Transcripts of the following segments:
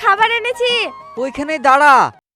খাবার এনেছি। ওইখানেই দাঁড়া।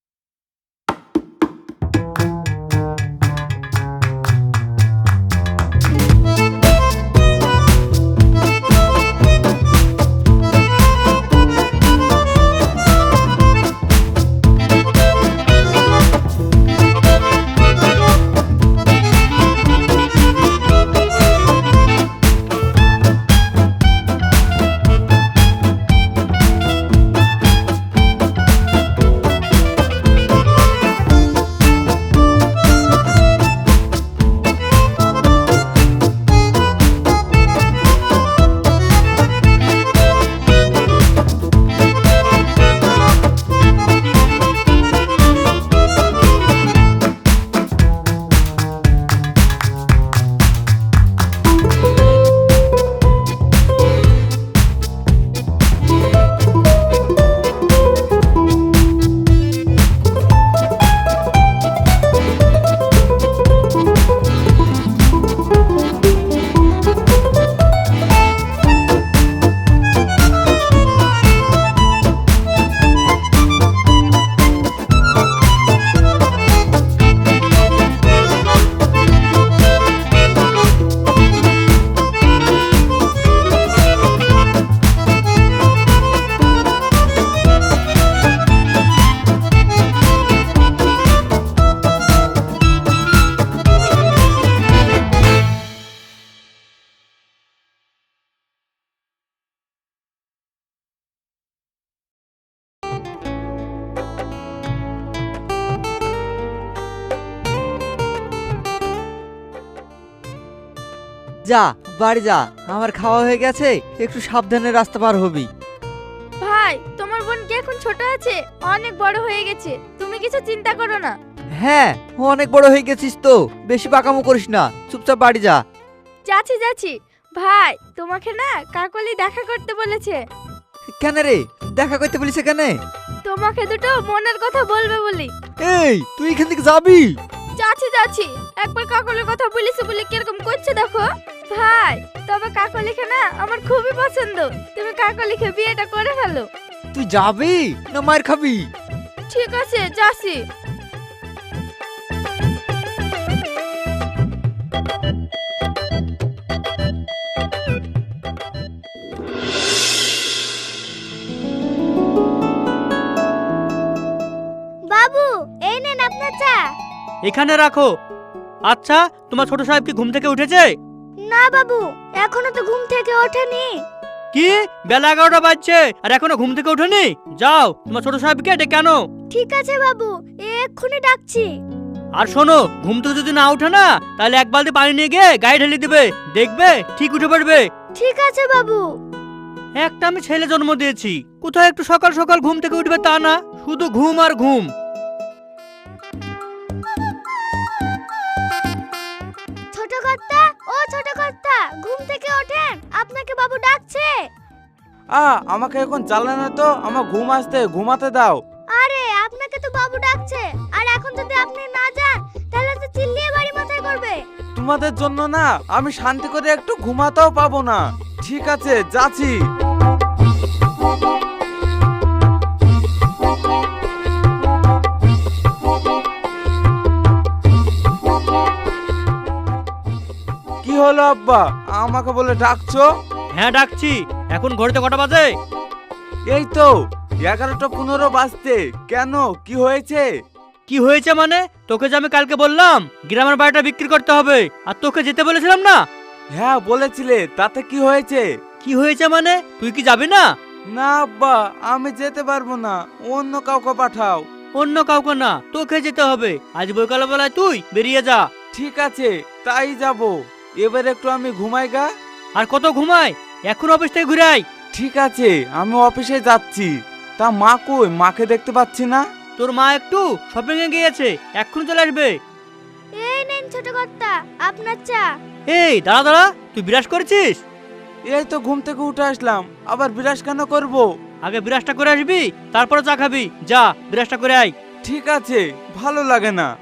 যা বাড়ি যা, আমার খাওয়া হয়ে গেছে, একটু সাবধানে রাস্তা পার হবি। ভাই, তোমার বোন কি এখন ছোট আছে? অনেক বড় হয়ে গেছে, তুমি কিছু চিন্তা করো না। হ্যাঁ, অনেক বড় হয়ে গেছিস তো, বেশি পাকামো করিস না, চুপচাপ বাড়ি যা। যাচ্ছি যাচ্ছি। ভাই, তোমাকে না কাকলি দেখা করতে বলেছে। কেন রে, দেখা করতে বলিস কেন? তোমাকে দুটো মনের কথা বলবে বলি। এই তুই এখান থেকে যাবি? যাচ্ছি যাচ্ছি, একবার কাকলির কথা বলেছে বলে কিরকম করছে দেখো। ভাই, তবে কাকলিকে না আমার খুবই পছন্দ, তুমি কাকলিকে বিয়েটা করে ফেলো। তুই যাবি না মার খাবি? ঠিক আছে, যাচ্ছি। বাবু, এই নেন আপনার চা। এখানে রাখো। আচ্ছা, তোমার ছোট সাহেব কি ঘুম থেকে উঠেছে? না বাবু, এখনো তো ঘুম থেকে ওঠেনি। কি, বেলা 11টা বাজছে আর এখনো ঘুম থেকে ওঠেনি? যাও তোমার ছোট সাহেবকে ডেকে আনো। ঠিক আছে বাবু, এক্ষুনি ডাকছি। আর শোনো, ঘুম থেকে যদি না ওঠে না, তাহলে এক বালতি পানি নিয়ে গিয়ে গায়ে ঢেলে দিবে, দেখবে ঠিক উঠে পড়বে। ঠিক আছে বাবু। একটা আমি ছেলে জন্ম দিয়েছি, কোথায় একটু সকাল সকাল ঘুম থেকে উঠবে তা না, শুধু ঘুম আর ঘুম। ছোট কর্তা, ও ছোট কর্তা, ঘুম থেকে ওঠেন, আপনাকে বাবু ডাকছে। আমাকে এখন জ্বালানো তো, আমার ঘুম আসতে, ঘুমাতে দাও। আরে, আপনাকে তো বাবু ডাকছে, আর এখন যদি আপনি না যান তাহলে তো চিল্লিয়ে বাড়ি মাথায় করবে। তোমাদের জন্য না আমি শান্তি করে একটু ঘুমাতেও পাবো না। ঠিক আছে, যাচ্ছি। কি হলো আব্বা, আমাকে বলে ডাকছো? হ্যাঁ ডাকছি। এখন ঘড়িতে কটা বাজে? এই তো 11টা 15 বাজতে। কেন, কি হয়েছে? কি হয়েছে মানে, তোকে যে আমি কালকে বললাম গ্রামের বাড়িটা বিক্রি করতে হবে, আর তোকে যেতে বলেছিলাম না? হ্যাঁ বলেছিলে, তাতে কি হয়েছে? কি হয়েছে মানে, তুই কি যাবি না? না আব্বা, আমি যেতে পারবো না, অন্য কাউকে পাঠাও। অন্য কাউকে না, তোকে যেতে হবে। আজ বৈকাল বেলায় তুই বেরিয়ে যা। ঠিক আছে, তাই যাব। এবার একটু আমি ঘুমাই গা। আর কত ঘুমায়, এখন অফিস থেকে ঘুরে আয়। ঠিক আছে, আমি অফিসে যাচ্ছি। তা মা কই, মাকে দেখতে পাচ্ছি না। তোর মা একটু শপিং এ গিয়েছে, এক্ষুনি চলে আসবে। এই নেন ছোট কর্তা, আপনার চা। এই দাঁড়া দাঁড়া, তুই বিরাজ করেছিস? এই তো ঘুম থেকে উঠে আসলাম, আবার বিরাস কেন করব? আগে বিরাজটা করে আসবি, তারপরে চা খাবি। যা বিরাজটা করে আয়। ঠিক আছে, ভালো লাগে না।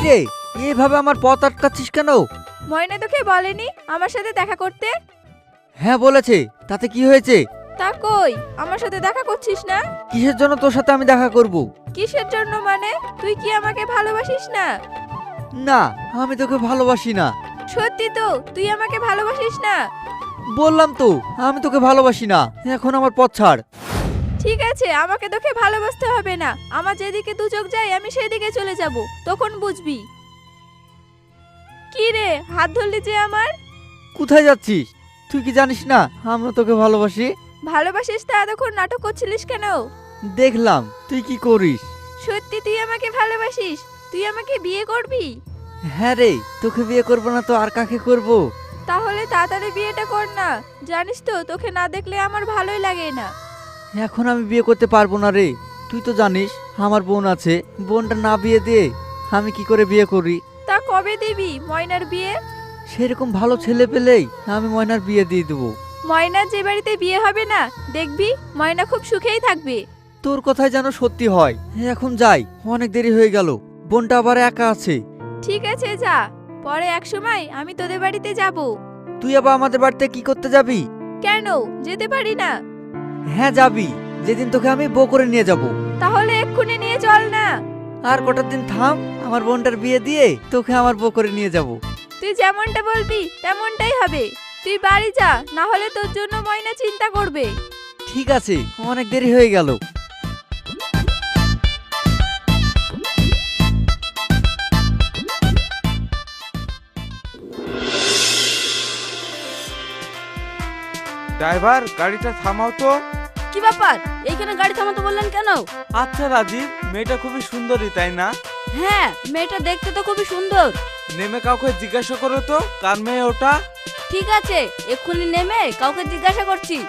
রে, এভাবে আমার পথ আটকাচ্ছিস কেন? ময়না তোকে বলেনি আমার সাথে দেখা করতে? হ্যাঁ বলেছে, তাতে কি হয়েছে? তা কই আমার সাথে দেখা করছিস না? কিসের জন্য তোর সাথে আমি দেখা করব? কিসের জন্য মানে? তুই কি আমাকে ভালোবাসিস না? না, আমি তোকে ভালোবাসি না। সত্যি তো তুই আমাকে ভালোবাসিস না? বললাম তো আমি তোকে ভালোবাসি না, এখন আমার পথ ছাড়। ঠিক আছে, আমাকে তোকে ভালোবাসতে হবে না। আমার যেদিকে দু চোখ যায় আমি সেদিকে চলে যাব, তখন বুঝবি। কি রে, হাত ধরলি যে আমার? কোথায় যাচ্ছিস? তুই কি জানিস না আমিও তোকে ভালোবাসি? ভালোবাসিস তা এতক্ষণ নাটক করছিলিস কেন? দেখলাম তুই কি করিস। সত্যি তুই আমাকে ভালোবাসিস? তুই আমাকে বিয়ে করবি? হ্যাঁ রে, তোকে বিয়ে করবো না তো আর কাকে করব? তাহলে তাড়াতাড়ি বিয়েটা কর না। জানিস তো তোকে না দেখলে আমার ভালোই লাগে না। এখন আমি বিয়ে করতে পারবো না রে। তুই তো জানিস আমার বোন আছে, বোনটা না বিয়ে দিয়ে আমি কি করে বিয়ে করি? তা কবে দিবি ময়নার বিয়ে? সেরকম ভালো ছেলে পেলেই আমি ময়নার বিয়ে দিয়ে দেবো। ময়নার যে বাড়িতে বিয়ে হবে না, দেখবি ময়না খুব সুখেই থাকবে। তোর কথাই যেন সত্যি হয়। এখন যাই, অনেক দেরি হয়ে গেল, বোনটা আবার একা আছে। ঠিক আছে যা, পরে এক সময় আমি তোদের বাড়িতে যাব। তুই আবার আমাদের বাড়িতে কি করতে যাবি? কেন যেতে পারি না? হ্যাঁ যাবি, যেদিন তোকে আমি বউ করে নিয়ে যাব। তাহলে এক্ষুনি নিয়ে চল না। আর কটা দিন থাম, আমার বোনটার বিয়ে দিয়ে তোকে আমার বউ করে নিয়ে যাব। তুই যেমনটা বলবি তেমনটাই হবে। তুই বাড়ি যা, না হলে তোর জন্য ময়না চিন্তা করবে। ঠিক আছে, অনেক দেরি হয়ে গেল। ড্রাইভার, গাড়িটা থামাও তো। কি ব্যাপার, এইখানে গাড়ি থামাতে বললেন কেন? আচ্ছা রাজীব, মেয়েটা খুবই সুন্দরী তাই না? হ্যাঁ, মেয়েটা দেখতে তো খুবই সুন্দর। নেমে কাউকে জিজ্ঞাসা করো তো কার মেয়ে ওটা। ঠিক আছে, এক্ষুনি নেমে কাউকে জিজ্ঞাসা করছি।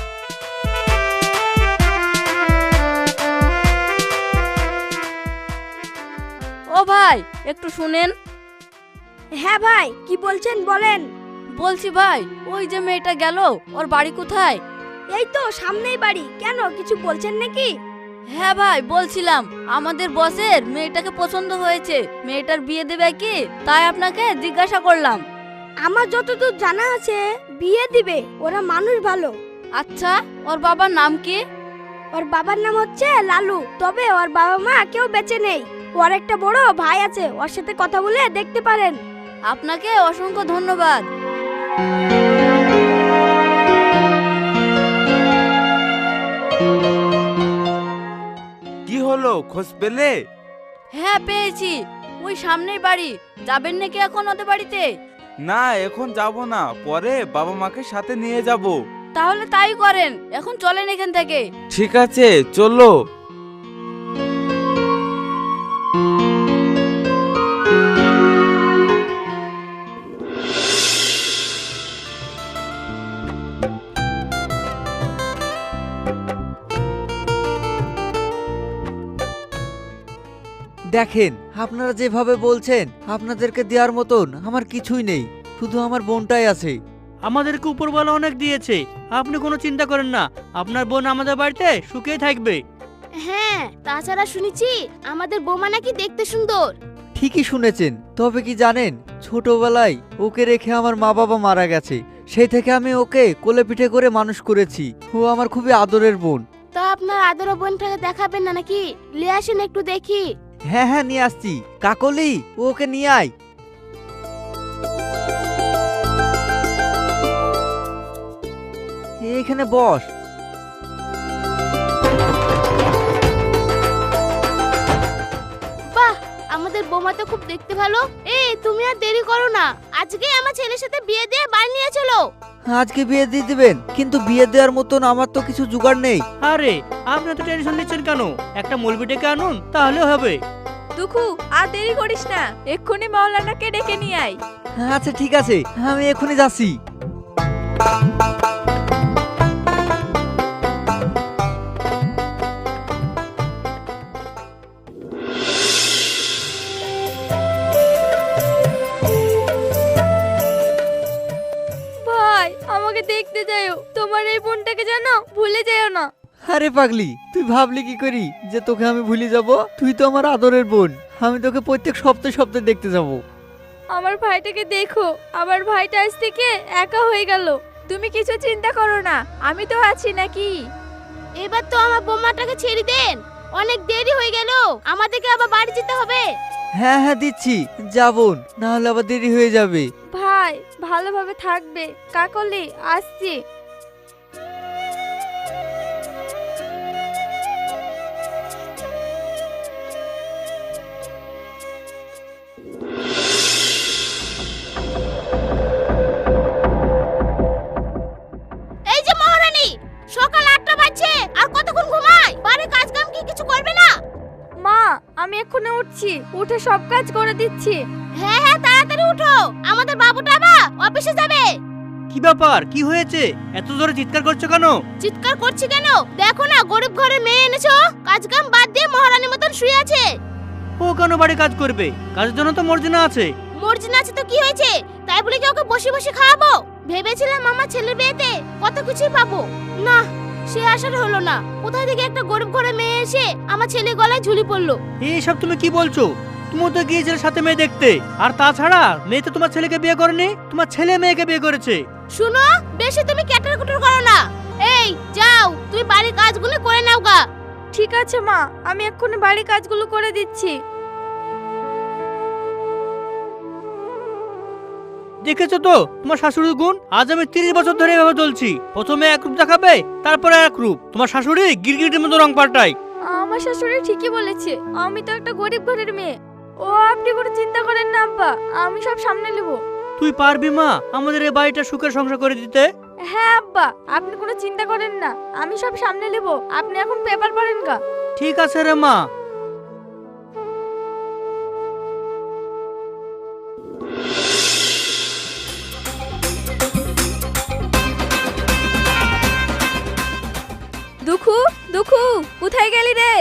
ও ভাই, একটু শুনেন। হ্যাঁ ভাই, কি বলছেন বলেন। বলছি ভাই, ওই যে মেয়েটা গেল, ওর বাড়ি কোথায়? এই তো সামনেই বাড়ি। কেন, কিছু বলছেন নাকি? হ্যাঁ ভাই, বলছিলাম আমাদের বসের মেয়েটাকে পছন্দ হয়েছে, মেয়েটার বিয়ে দেবে কি, তাই আপনাকে জিজ্ঞাসা করলাম। আমার যতদূর জানা আছে বিয়ে দিবে, ওরা মানুষ ভালো। আচ্ছা, ওর বাবার নাম কি? ওর বাবার নাম হচ্ছে লালু, তবে ওর বাবা মা কেউ বেঁচে নেই। ওর একটা বড় ভাই আছে, ওর সাথে কথা বলে দেখতে পারেন। আপনাকে অসংখ্য ধন্যবাদ। কি হলো, খোঁজ পেলে? হ্যাঁ পেয়েছি, ওই সামনেই বাড়ি। যাবেন নাকি এখন ওদের বাড়িতে? না, এখন যাব না, পরে বাবা মাকে সাথে নিয়ে যাব। তাহলে তাই করেন, এখন চলেন এখান থেকে। ঠিক আছে, চলো। দেখেন, আপনারা যেভাবে বলছেন আপনাদেরকে দেওয়ার মতন আমার কিছুই নেই, শুধু আমার বোনটাই আছে। আমাদেরকে উপরওয়ালা অনেক দিয়েছে, আপনি কোনো চিন্তা করেন না, আপনার বোন আমাদের বাড়িতে সুখেই থাকবে। হ্যাঁ, তাছাড়া শুনেছি আমাদের বৌমা নাকি দেখতে সুন্দর। ঠিকই শুনেছেন, তবে কি জানেন, ছোটবেলায় ওকে রেখে আমার মা বাবা মারা গেছে, সেই থেকে আমি ওকে কোলে পিঠে করে মানুষ করেছি। ও আমার খুবই আদরের বোন। তা আপনার আদর বোনটাকে দেখাবেন না নাকি? নিয়ে আসেন একটু দেখি। হ্যাঁ হ্যাঁ, নিয়ে আসছি। কাকলি, ওকে নিয়ে আয়। এখানে বস। বাহ, আমাদের বৌমা তো খুব দেখতে ভালো। এই তুমি আর দেরি করো না, আজকে আমার ছেলের সাথে বিয়ে দিয়ে বাড়ি নিয়ে চলো। আজকে বিয়ে দিয়ে দিবেন, কিন্তু বিয়ে দেওয়ার মতন আমার তো কিছু জোগাড় নেই। আরে আপনি তো টেনশন নিচ্ছেন কেন, একটা মলবি ডেকে আনুন তাহলে হবে। দুখু, আর দেরি করিস না, এক্ষুনি মাওলানাকে ডেকে নিয়ে আয়। আচ্ছা ঠিক আছে, আমি এখনই যাচ্ছি। ভাই, আমাকে দেখতে যাও, তোমার এই বোনটাকে জানো, ভুলে যেও না। আরে পাগলি, তুই ভাবলি কি করি যে তোকে আমি ভুলে যাব? তুই তো আমার আদরের বোন, আমি তোকে প্রত্যেক সপ্তাহে সপ্তাহে দেখতে যাব। আমার ভাইটাকে দেখো, আমার ভাইটা আজ থেকে একা হয়ে গেল। তুমি কিছু চিন্তা করো না, আমি তো আছি নাকি। এবার তো আমার বোমাটাকে ছেড়ে দেন, অনেক দেরি হয়ে গেল, আমাদেরকে আবার বাড়ি যেতে হবে। হ্যাঁ হ্যাঁ দিচ্ছি, যাবন, না হলে আবার দেরি হয়ে যাবে। ভাই ভালোভাবে থাকবে। কাকলি আসছি। এই যে মহারানী, সকাল 8টা বাজছে, আর কতক্ষণ ঘুমায়? বাড়ির কাজ কাম কি কিছু করবে না? মা আমি এক্ষুনি উঠছি, উঠে সব কাজ করে দিচ্ছি। হ্যাঁ হ্যাঁ, তাড়াতাড়ি উঠো, আমাদের বাবুটা আবার অফিসে যাবে। কি ব্যাপার, কি হয়েছে? এত জোরে চিৎকার করছো কেন? চিৎকার করছি কেন? দেখো না, গরিব ঘরের মেয়ে এনেছো, কাজ কাম বাদ দিয়ে মহারানীর মতন শুয়ে আছে। ও কেন বাড়ি কাজ করবে? কাজের জন্য তো মর্জিনা আছে। মর্জিনা আছে তো কি হয়েছে? তাই বলে কি ওকে বসে বসে খাওয়াবো? ভেবেছিলাম আমার ছেলের বিয়েতে কত কিছুই পাবো, না সে আশার হলো না। কোথায় থেকে একটা গরিব ঘরের মেয়ে এসে আমার ছেলে গলায় ঝুলি পড়লো। এইসব তুমি কি বলছো? তুমি তো গিয়েছিলে সাথে মেয়ে দেখতে, আর তাছাড়া মেয়ে তো তোমার ছেলেকে বিয়ে করেনি, তোমার ছেলে মেয়েকে বিয়ে করেছে। শুনো, বেশি তুমি ক্যাটার কুটার করো না। এই যাও, তুমি বাড়ির কাজগুলো করে নাও গা। ঠিক আছে মা, আমি এক্ষুনি বাড়ির কাজগুলো করে দিচ্ছি। দেখেছো তো তোমার শাশুড়ির গুণ? আজ আমি 30 বছর ধরে এভাবে চলছি। প্রথমে এক রূপ দেখাবে, তারপরে এক রূপ। তোমার শাশুড়ি গিরগিটির মতো রং পাল্টায়। আমার শাশুড়ি ঠিকই বলেছে, আমি তো একটা গরিব ঘরের মেয়ে। ও আপনি কোনো চিন্তা করেন না আব্বা, আমি সব সামনে নেব। তুই পারবি মা আমাদের এই বাড়িটা সুখের সংসার করে দিতে? হ্যাঁ আব্বা, আপনি কোনো চিন্তা করেন না, আমি সব সামনে নেব। আপনি এখন পেপার পড়েন গা। ঠিক আছে রে মা। দুখু দুখু, কোথায় গেলি রে?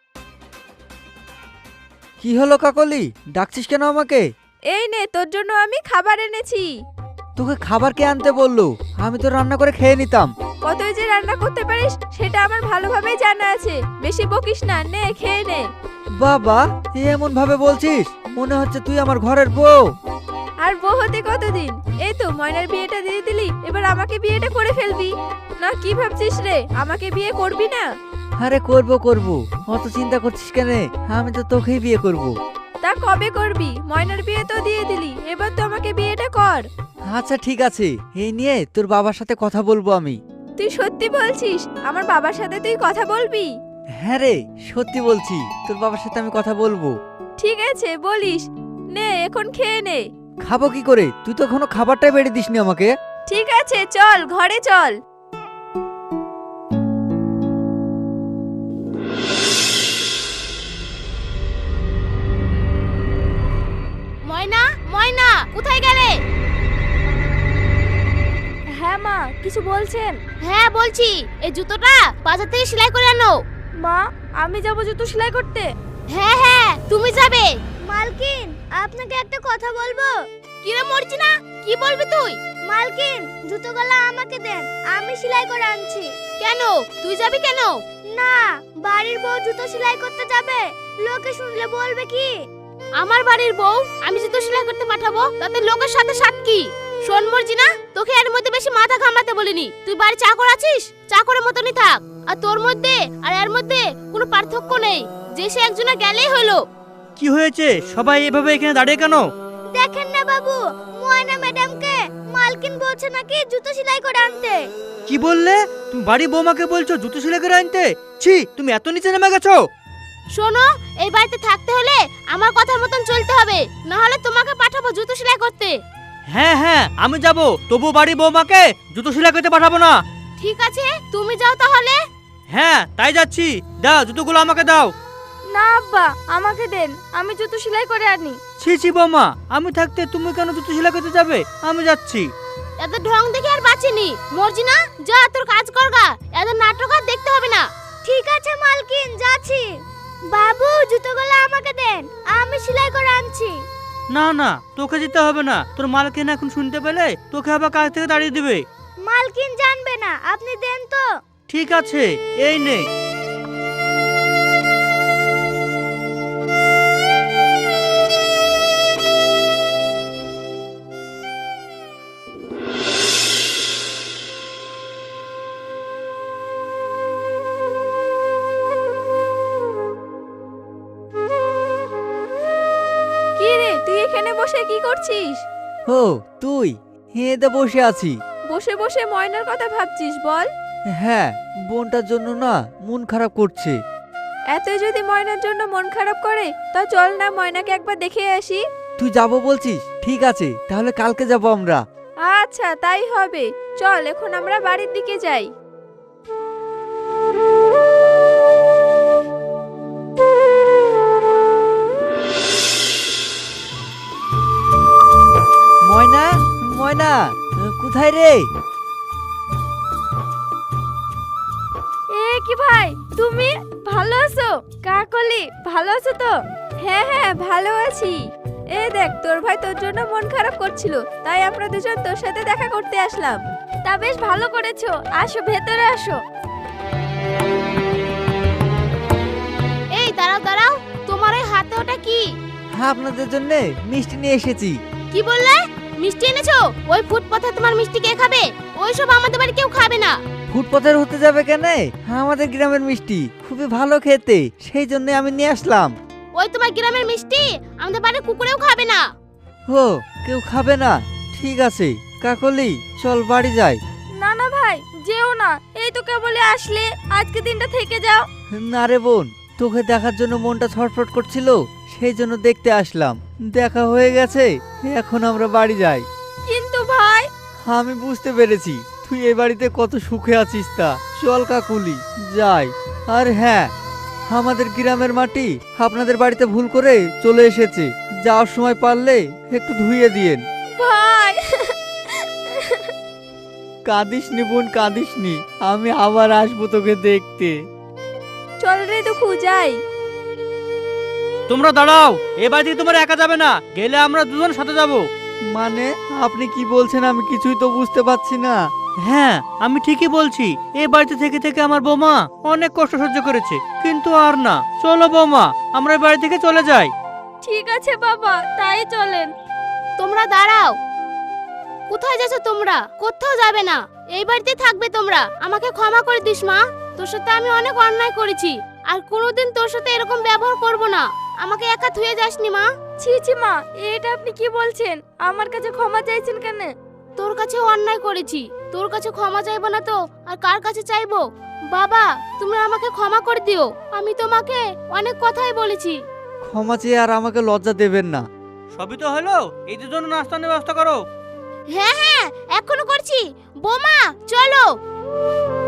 কি হলো কাকলি, ডাকছিস কেন আমাকে? এই নে, তোর জন্য আমি খাবার এনেছি। তোকে খাবার কে আনতে বললো? আমি তো রান্না করে খেয়ে নিতাম। কতই যে রান্না করতে পারিস সেটা আমার ভালোভাবেই জানা আছে। বেশি বকিস না, নে খেয়ে নে। বাবা, এমন ভাবে বলছিস, মনে হচ্ছে তুই আমার ঘরের বউ। আর বউ হতে কতদিন? এই তো ময়নার বিয়েটা দিয়ে দিলি, এবার আমাকে বিয়েটা করে ফেলবি না? কি ভাবছিস রে, আমাকে বিয়ে করবি না? আরে করবো করবো, অত চিন্তা করছিস কেন? আমি তো তোকেই বিয়ে করব। তা কবে করবি? ময়নার বিয়ে তো দিয়ে দিলি, এবার তো আমাকে বিয়েটা কর। আচ্ছা ঠিক আছে, এই নিয়ে তোর বাবার সাথে কথা বলবো আমি। তুই সত্যি বলছিস আমার বাবার সাথে তুই কথা বলবি? হ্যাঁ রে, সত্যি বলছি, তোর বাবার সাথে আমি কথা বলবো। ঠিক আছে বলিস, নে এখন খেয়ে নে। খাবো কি করে? তুই তো এখনো খাবারটাই বেড়ে দিসনি আমাকে। ঠিক আছে চল, ঘরে চল। ময়না, ময়না, কোথায় গেলে? হ্যাঁ মা, কিছু বলছেন? হ্যাঁ বলছি, এই জুতোটা বাজার থেকে সেলাই করে আনো। মা, আমি যাবো জুতো সেলাই করতে? হ্যাঁ হ্যাঁ, তুমি যাবে। মালকিন, আপনাকে একটা কথা বলবো। কি রে মর্জিনা, কি বলবি তুই? মালকিন, জুতোগুলো আমাকে দেন, আমি সেলাই করে আনছি। কেন, তুই যাবি কেন? না, বাড়ির বউ জুতো সেলাই করতে যাবে, লোকে শুনলে বলবে কি? আমার বাড়ির বউ আমি জুতো সেলাই করতে পাঠাবো, তাতে লোকের সাথে সাথ কি? শোন মর্জিনা, তোকে এর মধ্যে বেশি মাথা ঘামাতে বলিনি। তুই বাড়ি চাকর আছিস, চাকরের মতনই থাক। আর তোর মধ্যে আর এর মধ্যে কোনো পার্থক্য নেই, যে সে একজনে গেলেই হলো। কি হয়েছে? সবাই এভাবে এখানে দাঁড়িয়ে কেন? দেখেন না বাবু, ময়না ম্যাডামকে মালকিন বলছে নাকি জুতো সেলাই করে আনতে। কি বললে? তুমি বাড়ি বৌমাকে বলছো জুতো সেলাই করে আনতে? ছি, তুমি এত নিচে নেমে গেছো? শোনো, এই বাড়িতে থাকতে হলে আমার কথার মতন চলতে হবে, না হলে তোমাকে পাঠাবো জুতো সেলাই করতে। হ্যাঁ হ্যাঁ, আমি যাব, তবু বাড়ি বৌমাকে জুতো সেলাই করতে পাঠাবো না। ঠিক আছে, তুমি যাও তাহলে। হ্যাঁ তাই যাচ্ছি। দাও জুতোগুলো আমাকে দাও। না আব্বা, আমাকে দেন, আমি জুতো সেলাই করে আনি। ছি ছি বৌমা, আমি থাকতে তুমি কেন জুতো সেলাই করতে যাবে? আমি যাচ্ছি। এত ঢং দেখে আর বাঁচিনি। মর্জিনা, যা তোর কাজ করগা, এত নাটক আর দেখতে হবে না। ঠিক আছে মালকিন, যাচ্ছি। বাবু, জুতোগুলো আমাকে দেন, আমি সেলাই করে আনছি। না না, তোকে যেতে হবে না, তোর মালকিন এখন শুনতে পেলে তোকে আবার কাজ থেকে তাড়িয়ে দিবে। মালকিন জানবে না, আপনি দেন তো। ঠিক আছে, এই নে। কি রে, তুই এখানে বসে কি করছিস? ও তুই? হেঁদে বসে আছি। বসে বসে ময়নার কথা ভাবছিস বল? হ্যাঁ, বোনটার জন্য না মন খারাপ করছে। এতই যদি ময়নার জন্য মন খারাপ করে তা চল না ময়নাকে একবার দেখে আসি। তুই যাবো বলছিস? ঠিক আছে, তাহলে কালকে যাব আমরা। আচ্ছা তাই হবে, চল এখন আমরা বাড়ির দিকে যাই। ময়না, ময়না, কোথায় রে? এ কি ভাই, তুমি ভালো আছো? কাকলি ভালো আছো তো? হ্যাঁ হ্যাঁ ভালো আছি। এ দেখ, তোর ভাই তোর জন্য মন খারাপ করছিল, তাই আমরা দুজন তোর সাথে দেখা করতে আসলাম। তা বেশ ভালো করেছো, আসো ভেতরে আসো। এই দাঁড়াও দাঁড়াও, তোমার এই হাতে ওটা কি? আপনাদের জন্য মিষ্টি নিয়ে এসেছি। কি বললে? মিষ্টি এনেছো? ওই ফুটপাথে তোমার মিষ্টি কে খাবে? ওইসব আমাদের বাড়ি কেউ খাবে না। ফুটপাথের হতে যাবে কেন? আমাদের গ্রামের মিষ্টি খুবই ভালো খেতে, সেই জন্য আমি নিয়ে আসলাম। ওই তোমার গ্রামের মিষ্টি আমাদের বাড়ির কুকুরেও খাবে না। ও, কেউ খাবে না? ঠিক আছে কাকলি, চল বাড়ি যাই। না না ভাই, যেও না, এই তো কেবলই আসলে, আজকে দিনটা থেকে যাও। না রে বোন, তোকে দেখার জন্য মনটা ছটফট করছিল, সেই জন্য দেখতে আসলাম। দেখা হয়ে গেছে, এখন আমরা বাড়ি যাই। কিন্তু ভাই, আমি বুঝতে পেরেছি তুই এই বাড়িতে কত সুখে আছিস। তা চল কাকুলি, যাই। আর হ্যাঁ, আমাদের গ্রামের মাটি আপনাদের বাড়িতে ভুল করে চলে এসেছে, যাওয়ার সময় পারলে একটু ধুইয়ে দিয়েন। ভাই কাঁদিস নি বোন, কাঁদিস নি, আমি আবার আসবো তোকে দেখতে। চল রে দুঃখু, যাই। তোমরা দাঁড়াও, এ বাড়ি থেকে তোমরা একা যাবে না, গেলে আমরা দুজন সাথে যাব। মানে আপনি কি বলছেন? আমি কিছুই তো বুঝতে পারছি না। হ্যাঁ, আমি ঠিকই বলছি। এই বাড়িতে থেকে থেকে আমার বৌমা অনেক কষ্ট সহ্য করেছে, কিন্তু আর না। চলো বৌমা, আমরা এই বাড়ি থেকে চলে যাই। ঠিক আছে বাবা, তাই চলেন। তোমরা দাঁড়াও। কোথায় যাচ্ছ তোমরা? কোথাও যাবে না, এই বাড়িতে থাকবে তোমরা। আমাকে ক্ষমা করে দিস মা, তোর সাথে আমি অনেক অন্যায় করেছি, আর কোনোদিন তোর সাথে এরকম ব্যবহার করব না। আমাকে একা থুয়ে যাসনি মা। ছি ছি মা, এটা আপনি কি বলছেন? আমার কাছে ক্ষমা চাইছেন কেন? তোর কাছে অন্যায় করেছি, তোর কাছে ক্ষমা চাইবো না তো আর কার কাছে চাইবো? বাবা, তুমি আমাকে ক্ষমা করে দিও, আমি তোমাকে অনেক কথাই বলেছি। ক্ষমা চেয়ে আর আমাকে লজ্জা দেবেন না। সবই তো হলো, এই দুজন নাস্তার ব্যবস্থা করো। হ্যাঁ হ্যাঁ, এখনো করছি। বোমা চলো।